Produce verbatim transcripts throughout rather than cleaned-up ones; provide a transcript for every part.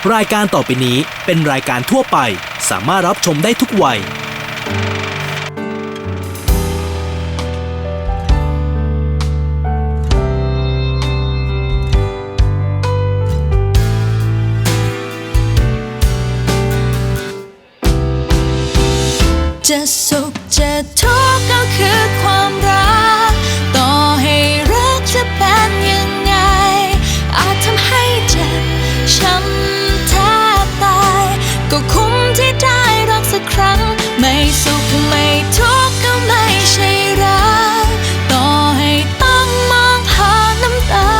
รายการต่อไปนี้เป็นรายการทั่วไปสามารถรับชมได้ทุกวัยจะสุขจะทุกข์ก็คือความรักต่อให้รักจะเป็นยังไงอาจทำให้เจ็บช้ำแทบตายก็คุ้มที่ได้รักสักครั้งไม่สุขไม่ทุกข์ก็ไม่ใช่รักต่อให้ต้องมองผ่านน้ำตา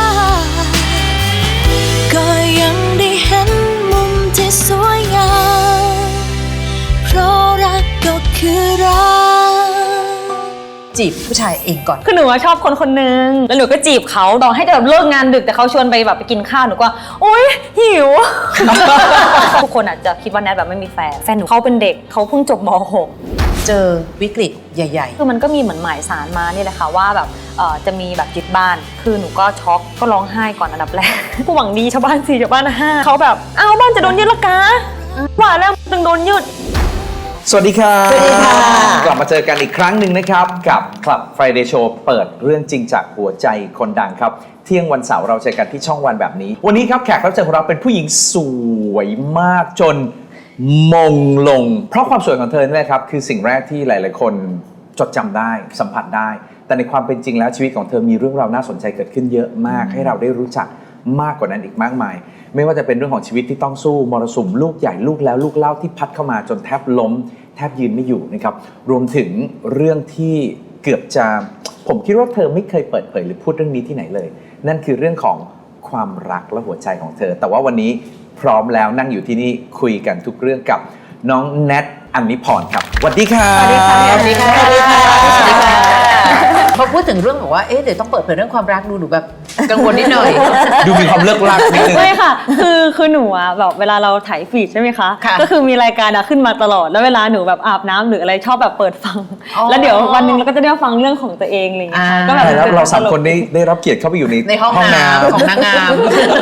ก็ยังได้เห็นมุมที่สวยงามเพราะรักก็คือรักจีบผู้ชายเองก่อนคือหนูชอบคนคนนึงแล้วหนูก็จีบเขาต่อให้แบบเลิกงานดึกแต่เขาชวนไปแบบไปกินข้าวหนูก็โอ๊ยหิว ทุกคนอาจจะคิดว่าแนทแบบไม่มีแฟนแฟนหนูเขาเป็นเด็กเขาเพิ่งจบม หกเจอวิกฤตใหญ่ๆคือมันก็มีเหมือนหมายสารมานี่แหละค่ะว่าแบบเอ่อจะมีแบบยึดบ้านคือหนูก็ช็อกก็ร้องไห้ก่อนอันดับแรก ผู้หวังดีชาวบ้านสี่ชาวบ้านห้าเขาแบบอ้าวบ้านจะโดนยึดละกะว่าแล้วตึงโดนยึดสวัสดีครับสวัสดีค่ะกลับมาเจอกันอีกครั้งหนึ่งนะครับกับ Club Friday Show เปิดเรื่องจริงจากหัวใจคนดังครับเที่ยงวันเสาร์เราเจอกันที่ช่องวันแบบนี้วันนี้ครับแขกรับเชิญของเราเป็นผู้หญิงสวยมากจนมงลงเพราะความสวยของเธอนี่แหละครับคือสิ่งแรกที่หลายๆคนจดจำได้สัมผัสได้แต่ในความเป็นจริงแล้วชีวิตของเธอมีเรื่องราวน่าสนใจเกิดขึ้นเยอะมากให้เราได้รู้จักมากกว่านั้นอีกมากมายไม่ว่าจะเป็นเรื่องของชีวิตที่ต้องสู้มรสุมลูกใหญ่ลูกแล้วลูกเล่าที่พัดเข้ามาจนแทบล้มแทบยืนไม่อยู่นะครับรวมถึงเรื่องที่เกือบจะผมคิดว่าเธอไม่เคยเปิดเผยหรือพูดเรื่องนี้ที่ไหนเลยนั่นคือเรื่องของความรักและหัวใจของเธอแต่ว่าวันนี้พร้อมแล้วนั่งอยู่ที่นี่คุยกันทุกเรื่องกับน้องแนทอัญญิพรครับสวัสดีค่ะสวัสดีค่ะสวัสดีค่ะสวัสดีค่ะพอพูดถึงเรื่องบอกว่าเอ๊ะเดี๋ยวต้องเปิดเผยเรื่องความรักดูหนูแบบกังวลนิดหน่อยดูมีความเลิกลักนิดนึงไม่ค่ะคือคือหนูอะแบบเวลาเราถ่ายฟีดใช่ไหมคะก็คือมีรายการอะขึ้นมาตลอดแล้วเวลาหนูแบบอาบน้ำหรืออะไรชอบแบบเปิดฟังแล้วเดี๋ยววันนึงเราก็จะได้ฟังเรื่องของตัวเองอะไรอย่างเงี้ยก็แบบแล้วเราสามคนได้ได้รับเกียรติเข้าไปอยู่ในในห้องน้ำของนางงาม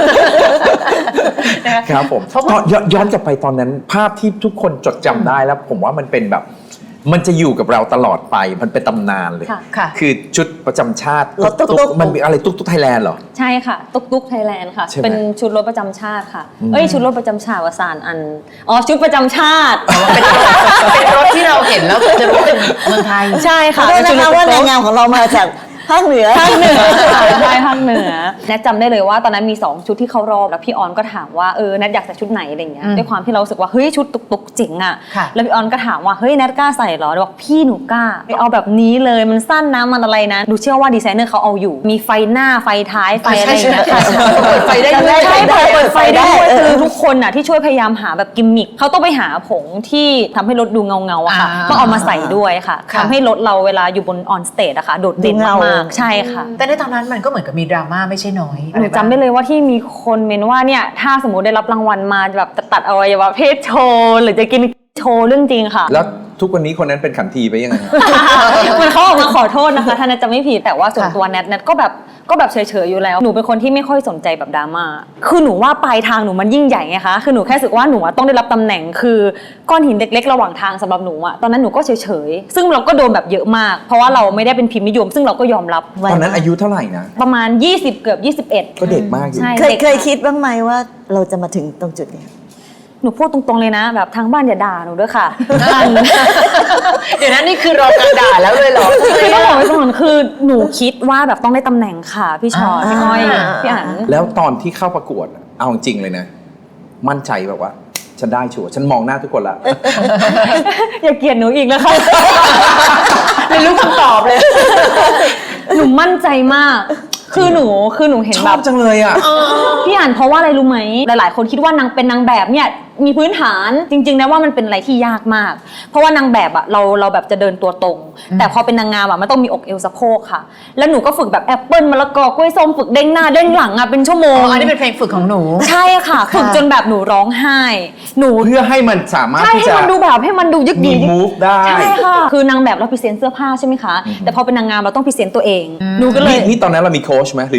ครับผมย้อนกลับไปตอนนั้นภาพที่ทุกคนจดจำได้แล้วผมว่ามันเป็นแบบมันจะอยู่กับเราตลอดไปมันเป็นตำนานเลยคือชุดประจำชาติรถตุ๊กมันมีอะไรตุ๊กตุ๊กไทยแลนด์เหรอใช่ค่ะตุ๊กตุ๊กไทยแลนด์ค่ะเป็นชุดรถประจำชาติค่ะเอ้ยชุดรถประจำชาติวสานอันอ๋อชุดประจำชาติเป็นรถที่เราเห็นแล้วจะรู้เป็นเมืองไทยใช่ค่ะเพราะว่านางงามของเรามาจากภาคเหนือภาคเหนือใช่ภาคเหนือแนทจำได้เลยว่าตอนนั้นมีสองชุดที่เข้ารอบแล้วพี่ออนก็ถามว่าเออแนทอยากใส่ชุดไหนอะไรเงี้ยด้วยความที่เรารู้สึกว่าเฮ้ยชุดตุกตุกเจ๋งอ่ะแล้วพี่ออนก็ถามว่าเฮ้ยแนทกล้าใส่เหรอบอกพี่หนูกล้าไปเอาแบบนี้เลยมันสั้นนะมันอะไรนะดูเชื่อว่าดีไซเนอร์เขาเอาอยู่มีไฟหน้าไฟท้ายไฟอะไรอย่างเงี้ยเปิดไฟได้ด้วยใช่เปิดไฟได้ด้วยคือทุกคนอ่ะที่ช่วยพยายามหาแบบกิมมิคเขาต้องไปหาผงที่ทำให้รถดูเงาเงาอะค่ะต้องเอามาใส่ด้วยค่ะทำให้รถเราเวลาอยู่บนออนสเตจอะค่ะโดดเด่นมากๆใช่ค่ะแต่ในตอนนั้นมันก็เหมือนกับมีดราม่าไม่ใช่น้อยหนูจำได้เลยว่าที่มีคนเมนว่าเนี่ยถ้าสมมติได้รับรางวัลมาแบบจะตัดอวัยวะเพศโชว์หรือจะกินโชว์เรื่องจริงค่ะแล้วทุกวันนี้คนนั้นเป็นขันทีไปยังไงมันเขาออกมาขอโทษนะคะถ้าแนทจะไม่ผิดแต่ว่าส่วนตัวแนทแนทก็แบบก็แบบเฉยๆอยู่แล้วหนูเป็นคนที่ไม่ค่อยสนใจแบบดราม่าคือหนูว่าปลายทางหนูมันยิ่งใหญ่ไงคะคือหนูแค่รู้สึกว่าหนูต้องได้รับตำแหน่งคือก้อนหินเล็กๆระหว่างทางสำหรับหนูอะตอนนั้นหนูก็เฉยๆซึ่งเราก็โดนแบบเยอะมากเพราะว่าเราไม่ได้เป็นพิมพ์นิยมซึ่งเราก็ยอมรับตอนนั้นอายุเท่าไหร่นะประมาณยี่สิบเกือบยี่สิบเอ็ดก็เด็กมากอยู่เคยเคยคิดบ้างไหมว่าเราจะมาถึงตรงจุดนี้หนูพูดตรงๆเลยนะแบบทางบ้านอย่าด่าหนูด้วยค่ะเดี๋ยวนั้นนี่คือรอการด่าแล้วเลยเหรอคือต้องบอกไว้ก่อนคือหนูคิดว่าแบบต้องได้ตำแหน่งค่ะพี่ชอพี่อ้อยพี่อั๋นแล้วตอนที่เข้าประกวดเอาจริงเลยนะมั่นใจแบบว่าฉันได้ชัวร์ฉันมองหน้าทุกคนละอย่าเกลียดหนูอีกนะคะไม่รู้คำตอบเลยหนูมั่นใจมากคือหนูคือหนูเห็นแบบชอบจังเลยอ่ะพี่อ่านเพราะว่าอะไรรู้ไหมหลายๆคนคิดว่านางเป็นนางแบบเนี่ยมีพื้นฐานจริงๆนะว่ามันเป็นอะไรที่ยากมากเพราะว่านางแบบอะเราเราแบบจะเดินตัวตรงแต่พอเป็นนางงามอะมันต้องมีอกเอวสะโพกค่ะแล้วหนูก็ฝึกแบบแอปเปิ้ลมะละกอกล้วยส้มฝึกเด้งหน้าเด้งหลังอะเป็นชั่วโมงอ๋ออันนี้เป็นเพลงฝึกของหนูใช่ค่ะฝึกจนแบบหนูร้องไห้หนูเพื่อให้มันสามารถที่จะให้มันดูแบบให้มันดูยึกยือ move ได้ใช่ค่ะคือนางแบบเราพรีเซนต์เสื้อผ้าใช่ไหมคะแต่พอเป็นนางงามเราต้องพรีเซนต์ตัวเองหนูก็เลยนี่ตอนนั้นเรามีโค้ชไหมหรือ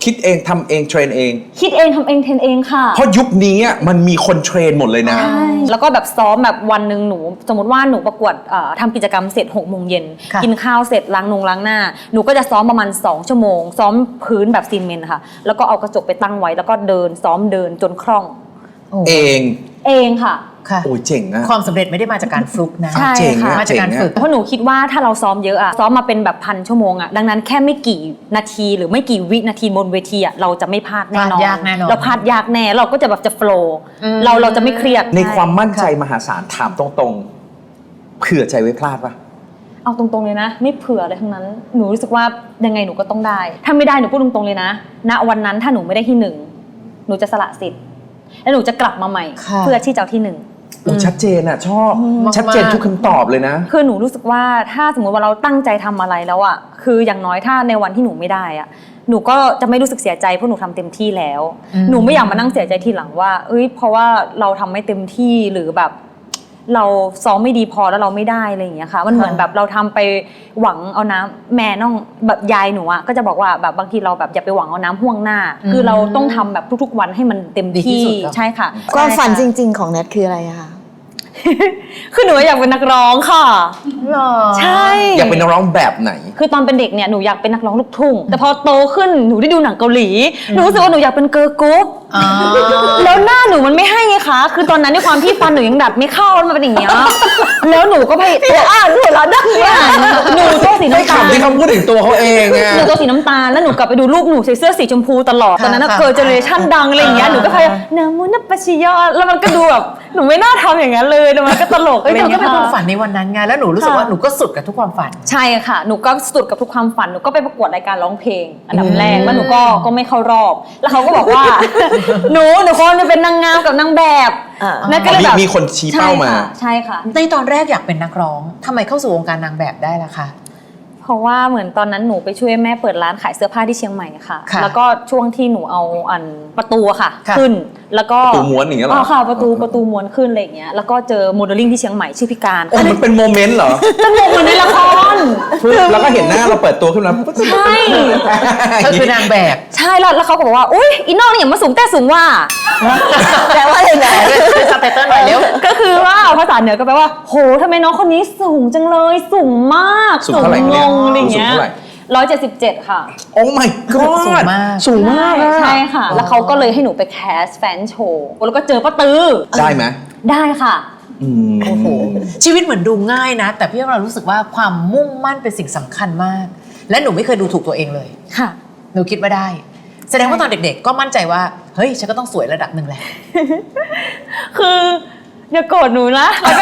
คิดเองทำเองเทรนเองคิดเองทำเองเทรนเองค่ะเพราะยุคนี้อะมันมีคนเทรนหมดเลยนะใช่แล้วก็แบบซ้อมแบบวันหนึ่งหนูสมมติว่าหนูประกวดเอ่อทำกิจกรรมเสร็จหกโมงเย็นค่ะกินข้าวเสร็จล้างนงล้างหน้าหนูก็จะซ้อมประมาณสองชั่วโมงซ้อมพื้นแบบซีเมนต์ค่ะแล้วก็เอากระจกไปตั้งไว้แล้วก็เดินซ้อมเดินจนคล่องโอ้เองเองค่ะค่ะโอ้ยเจ๋งอะความสำเร็จไม่ได้มาจากการฟลุกนะใช่เจ๋งค่ะอะมาจากการเจ๋งอะฝึกเพราะหนูคิดว่าถ้าเราซ้อมเยอะอะซ้อมมาเป็นแบบพันชั่วโมงอะดังนั้นแค่ไม่กี่นาทีหรือไม่กี่วินาทีบนเวทีอะเราจะไม่พลาดแน่นอนพลาดยากแน่นอนเราพลาดยากแน่เราก็จะแบบจะโฟลว์อืมเราเราจะไม่เครียดในความมั่นใจมหาศาลถามตรงๆเผื่อใจไว้พลาดปะเอาตรงๆเลยนะไม่เผื่อเลยทั้งนั้นหนูรู้สึกว่ายังไงหนูก็ต้องได้ ถ้าไม่ได้หนูพูดตรงๆเลยนะณวันนั้นถ้าหนูไม่ได้ที่หนึ่งหนูจะสละสิทธิ์แล้วหนูจะกลับมาใหม่ค่ะเพื่อที่จะเอาที่หนึ่งโอ้ชัดเจนอะชอบมากๆชัดเจนทุกคำตอบเลยนะคือหนูรู้สึกว่าถ้าสมมติว่าเราตั้งใจทำอะไรแล้วอะคืออย่างน้อยถ้าในวันที่หนูไม่ได้อะหนูก็จะไม่รู้สึกเสียใจเพราะหนูทำเต็มที่แล้วอืมหนูไม่อยากมานั่งเสียใจทีหลังว่าเอ้ยเพราะว่าเราทำไม่เต็มที่หรือแบบเราซ้อมไม่ดีพอแล้วเราไม่ได้อะไรอย่างเงี้ยค่ะมันเหมือนแบบเราทำไปหวังเอาน้ำแม่น้องแบบยายหนูอะก็จะบอกว่าแบบบางทีเราแบบอย่าไปหวังเอาน้ำห่วงหน้า คือเราต้องทำแบบทุกๆวันให้มันเต็มดีที่ที่สุดครับใช่ค่ะความฝันจใช่ค่ะริง ๆ ของแนทคืออะไรอะคะคือหนูอยากเป็นนักร้องค่ะหรอใช่อยากเป็นนักร้องแบบไหนคือตอนเป็นเด็กเนี่ยหนูอยากเป็นนักร้องลูกทุ่ง แต่พอโตขึ้นหนูได้ดูหนังเกาหลี หนูรู้สึกว่าหนูอยากเป็นเกิร์ลกรุ๊ปอ๋อแล้วหน้าหนูมันไม่ให้ไงคะ คือตอนนั้นด้วยความที่ฟันหนูยังดัดไม่เข้าแล้วมันเป็นอย่างเงี้ย แล้วหนูก็พยายามอ่านหัวเราะดังเนี่ยหนูตัวสีน้ำตาลคำที่เขาพูดถึงตัวเขาเองอะหนูตัวสีน้ำตาลแล้วหนูกลับไปดูรูปหนูใส่เสื้อสีชมพูตลอด ตอนนั้นค่ะเกิร์ลเจเนอเรชั่นดังอะไรอย่างเงี้ย หนูก็พยายามนามุนัปปะชิยอแล้วมันก็ดูแบบหนูไม่น่าทำอย่างนั้นเลยแต่มันก็ตลกเอ้ยอะไรอเธอย่าง ก็เงี้ยเป็นความค่ะฝันในวันนั้นไงแล้วหนูรู้สึกว่าหนูก็สุดกับทุกความฝันใช่ค่ะ หนูก็สุดกับทุกความฝัน หนูก็ไปประกวดรายการร้องเพลง อันดับแรก แล้วหนูก็ก็ไม่เข้ารอบ แล้วเขาก็บอกว่า หนู หนูควรจะเป็นนางงามกับนางแบบอ่านั่นก็เลยแบบมีมีคนชี้เป้ามาใช่ค่ะในตอนแรกอยากเป็นนักร้องทำไมเข้าสู่วงการนางแบบได้ล่ะคะเพราะว่าเหมือนตอนนั้นหนูไปช่วยแม่เปิดร้านขายเสื้อผ้าที่เชียงใหม่ค่ะค่ะแล้วก็ช่วงที่หนูเอาอันประตูอะค่ะค่ะขึ้น แล้วก็ประตูม้วนอย่างเงี้ยเหรออ๋อค่ะ ประตูประตูม้วนขึ้นอะไรอย่างเงี้ย แล้วก็เจอโมเดลลิ่งที่เชียงใหม่ชื่อพิการโอ้มันเป็นโมเมนต์เหรอสนุกเหมือนในละครแล้วก็เห็นหน้าเราเปิดตัวขึ้นมาใช่เธอคือนางแบบใช่แล้วแล้วเขาก็บอกว่า อุ้ยอีน้องนี่อย่ามาสูงแต่สูงว่าแปลว่าอะไรนะเป็นซับไตเติ้ลหน่อยเร็วก็คือว่าภาษาเหนือก็แปลว่าโหทำไมน้องคนนี้สูงจังเลยสูงมากสูงเท่าไหร่งเนี่ยงอะไรอย่างเงี้ยสูงเท่าไหร่ร้อยเจ็ดสิบเจ็ดค่ะโอ้ my god สูงมากสูงมากอะใช่ค่ะ แล้วเขาก็เลยให้หนูไปแคสแฟนโชว์แล้วก็เจอป้าตือได้ไหมได้ค่ะอืมโอ้โหชีวิตเหมือนดูง่ายนะ แต่พี่เรารู้สึกว่าความมุ่งมั่นเป็นสิ่งสำคัญมาก และหนูไม่เคยดูถูกตัวเองเลยค่ะหนูคิดว่าได้ แสดงว่าตอนเด็กๆ ก็มั่นใจว่าเฮ้ยฉันก็ต้องสวยระดับหนึ่งแหละคืออย่าโกรธหนูนะแล้วก็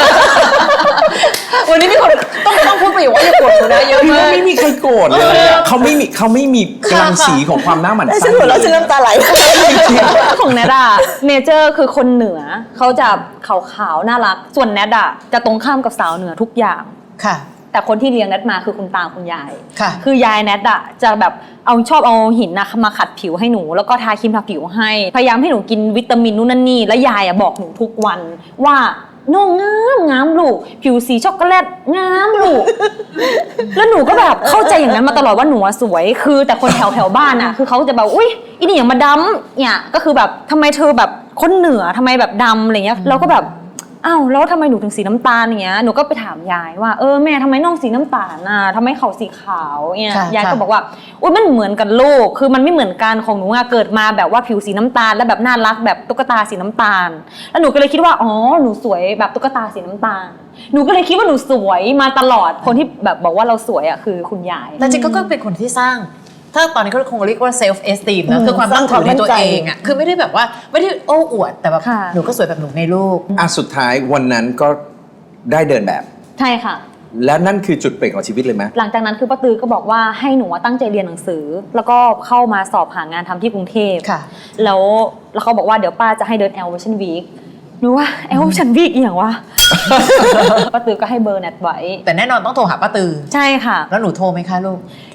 วันนี้มีคนต้องต้องพูดประโยคว่าอย่าโกรธหนูนะเยอะพี่มาว่าก ไม่มีใครโกรธเลยอะเขาไม่มีเขาไม่มีกำลังสีของความหน้าหมันแล้วไส้ฉันหัวเราะฉันน้ำตาไหลของแนทอะเนเจอร์คือคนเหนือเขาจะขาวๆน่ารัก ส่วนแนทอะจะตรงข้ามกับสาวเหนือทุกอย่างค่ะแต่คนที่เลี้ยงแนทมาคือคุณตาคุณยายค่ะคือยายแนทอะจะแบบเอาชอบเอาหินนะมาขัดผิวให้หนู แล้วก็ทาครีมทาผิวให้ พยายามให้หนูกินวิตามินนู่นนั่นนี่ แล้วยายอะบอกหนูทุกวันว่าน้องงามงามลูก ผิวสีช็อกโกแลตงามลูก แล้วหนูก็แบบเข้าใจอย่างนั้นมาตลอดว่าหนูอะสวย คือแต่คนแถวแถวบ้านอะคือเขาจะแบบอุ้ยอีนี่อย่างมาดำเนี่ยก็คือแบบทำไมเธอแบบคนเหนือทำไมแบบดำอะไรเงี้ยเราก็แบบอ้าวแล้วทำไมหนูถึงสีน้ำตาลอย่างเงี้ยหนูก็ไปถามยายว่าเออแม่ทำไมน้องสีน้ำตาลน่ะทำไมเขาสีขาวเนี่ยค่ะยายก็ค่ะบอกว่าอุ้ยมันเหมือนกันลูกคือมันไม่เหมือนกันของหนูอะเกิดมาแบบว่าผิวสีน้ำตาลแล้วแบบน่ารักแบบตุ๊กตาสีน้ำตาล แล้วหนูก็เลยคิดว่าอ๋อหนูสวยแบบตุ๊กตาสีน้ำตาล หนูก็เลยคิดว่าหนูสวยมาตลอดคนที่แบบบอกว่าเราสวยอะคือคุณยายแต่จริงๆก็เป็นคนที่สร้าง ถ้าตอนนี้เขาคงเรียกว่า self esteem นะอืมคือความตั้งถือในตัวสร้างความมั่นใจเองอ่ะคือไม่ได้แบบว่าไม่ได้โอ้อวดแต่แบบค่ะหนูก็สวยแบบหนูในรูปอ่ะสุดท้ายวันนั้นก็ได้เดินแบบใช่ค่ะและนั่นคือจุดเปลี่ยนของชีวิตเลยไหมหลังจากนั้นคือป้าตือก็บอกว่าให้หนูอะตั้งใจเรียนหนังสือ แล้วก็เข้ามาสอบหางานทำที่กรุงเทพค่ะแล้วแล้วเขาบอกว่าเดี๋ยวป้าจะให้เดิน Elevation Week หนูว่า Elevation Week อหย่างวะ ป้าตือก็ให้เบอร์แนทไว้แต่แน่นอนต้องโทรหาป้าตือใช่ค่ะแล้วหนูโทรไหมคะลูกโ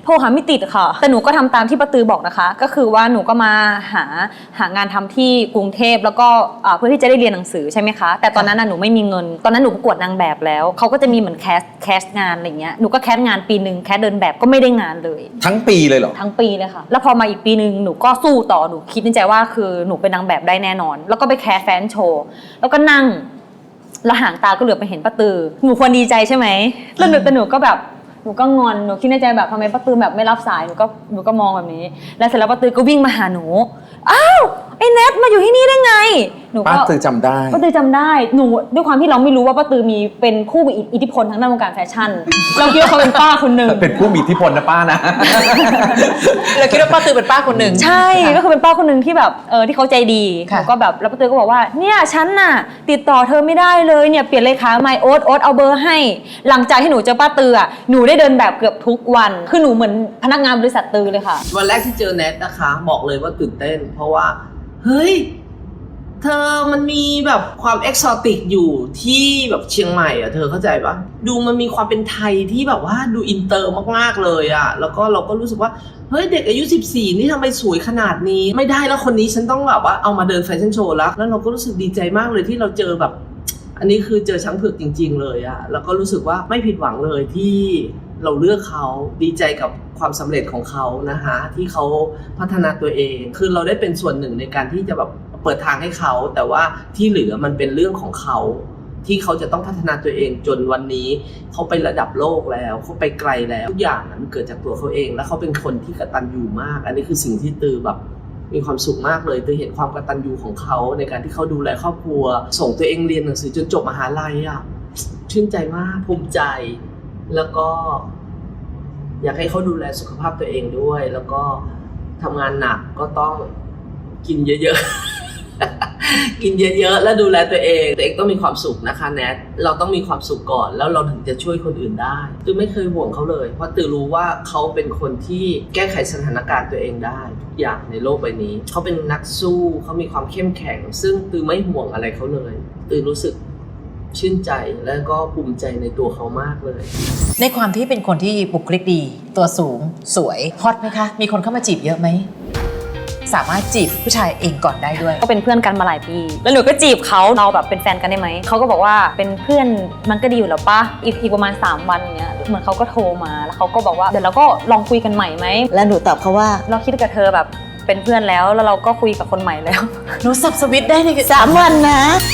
โทรหาไม่ติดค่ะแต่หนูก็ทำตามที่ป้าตือบอกนะคะก็คือว่าหนูก็มาหาหางานทำที่กรุงเทพแล้วก็อ่าเพื่อที่จะได้เรียนหนังสือใช่ไหมคะแต่ตอนนั้นน่ะหนูไม่มีเงินตอนนั้นหนูประกวดนางแบบแล้วเขาก็จะมีเหมือนแคสแคสงานอะไรเงี้ยหนูก็แคสงานปีนึงแคสเดินแบบก็ไม่ได้งานเลยทั้งปีเลยเหรอทั้งปีเลยค่ะแล้วพอมาอีกปีนึงหนูก็สู้ต่อหนูคิดในใจว่าคือหนูเป็นนางแบบได้แน่นอนแล้วก็ไปแคสแฟนโชว์แล้วก็นั่งแล้วหางตาก็เหลือบไปเห็นป้าตือหนูควรดีใจใช่ไหมแล้วหนูแต่หนูก็แบบหนูก็งอนหนูคิดในใจแบบทำไมป้าตือแบบไม่รับสายหนูก็หนูก็มองแบบนี้แล้วเสร็จแล้วป้าตือก็วิ่งมาหาหนูอ้าวไอ้เนทมาอยู่ที่นี่ได้ไงหนูก็ป้าตือจำได้ป้าตือจำได้หนูด้วยความที่เราไม่รู้ว่าป้าตือมีเป็นผู้มีอิทธิพลทางด้านวงการแฟชั่นเราคิดว่าเขาเป็นป้าคนหนึ่งเป็นผู้มีอิทธิพลนะป้านะเราคิดว่าป้าตือเป็นป้าคนหนึ่งใช่ก็คือเป็นป้าคนหนึ่งที่แบบเออที่เขาใจดีค่ะแล้วก็แบบแล้วป้าตือก็บอกว่าเนี่ยฉันน่ะติดต่อเธอไม่ได้เลยเนี่ยเปลี่ยนเลขาใหม่โอ๊ตโอ๊ตเอาเบอร์ให้ หลังจากที่หนูเจอป้าตืออ่ะหนูได้เดินแบบเกือบทุกวันคือหนูเหมือนพนักงานบริษัทตือเลยค่ะวันแรกที่เจอแนทนะคะบอกเลยว่าตื่นเต้น เพราะว่าเฮ้ยเธอมันมีแบบความเอกซอติกอยู่ที่แบบเชียงใหม่อ่ะเธอเข้าใจปะดูมันมีความเป็นไทยที่แบบว่าดูอินเตอร์มากๆเลยอ่ะแล้วก็เราก็รู้สึกว่าเฮ้ยเด็กอายุสิบสี่นี่ทำไมสวยขนาดนี้ไม่ได้แล้วคนนี้ฉันต้องแบบว่าเอามาเดินแฟชั่นโชว์แล้วแล้วเราก็รู้สึกดีใจมากเลยที่เราเจอแบบอันนี้คือเจอช้างเผือกจริงๆเลยอะแล้วก็รู้สึกว่าไม่ผิดหวังเลยที่เราเลือกเขาดีใจกับความสำเร็จของเขานะคะที่เขาพัฒนาตัวเองคือเราได้เป็นส่วนหนึ่งในการที่จะแบบเปิดทางให้เขาแต่ว่าที่เหลือมันเป็นเรื่องของเขาที่เขาจะต้องพัฒนาตัวเองจนวันนี้เขาไประดับโลกแล้วเขาไปไกลแล้วทุกอย่างมันเกิดจากตัวเขาเองและเขาเป็นคนที่กตัญญูมากอันนี้คือสิ่งที่ตือแบบมีความสุขมากเลยตือเห็นความกตัญญูของเขาในการที่เขาดูแลครอบครัวส่งตัวเองเรียนหนังสือจนจบมหาลัยอ่ะชื่นใจมากภูมิใจแล้วก็อยากให้เขาดูแลสุขภาพตัวเองด้วยแล้วก็ทำงานหนักก็ต้องกินเยอะๆ กินเยอะๆแล้วดูแลตัวเองตัวเองต้องมีความสุขนะคะแนทเราต้องมีความสุขก่อนแล้วเราถึงจะช่วยคนอื่นได้ตือไม่เคยห่วงเขาเลยเพราะตือรู้ว่าเขาเป็นคนที่แก้ไขสถานการณ์ตัวเองได้ทุกอย่างในโลกใบนี้เขาเป็นนักสู้เขามีความเข้มแข็งซึ่งตือไม่ห่วงอะไรเขาเลยตือรู้สึกชื่นใจและก็ภูมิใจในตัวเขามากเลยในความที่เป็นคนที่บุคลิกดีตัวสูงสวยฮอตไหมคะมีคนเข้ามาจีบเยอะไหมสามารถจีบผู้ชายเองก่อนได้ด้วยก็เป็นเพื่อนกันมาหลายปีแล้วหนูก็จีบเขาเราแบบเป็นแฟนกันได้ไหมเขาก็บอกว่าเป็นเพื่อนมันก็ดีอยู่แล้วป่ะอีกอีกประมาณสามวันเนี้ยเหมือนเขาก็โทรมาแล้วเขาก็บอกว่าเดี๋ยวเราก็ลองคุยกันใหม่ไหมแล้วหนูตอบเขาว่าเราคิดกับเธอแบบเป็นเพื่อนแล้วแล้วเราก็คุยกับคนใหม่แล้วหนูสับสวิตช์ได้ในสามวันนะ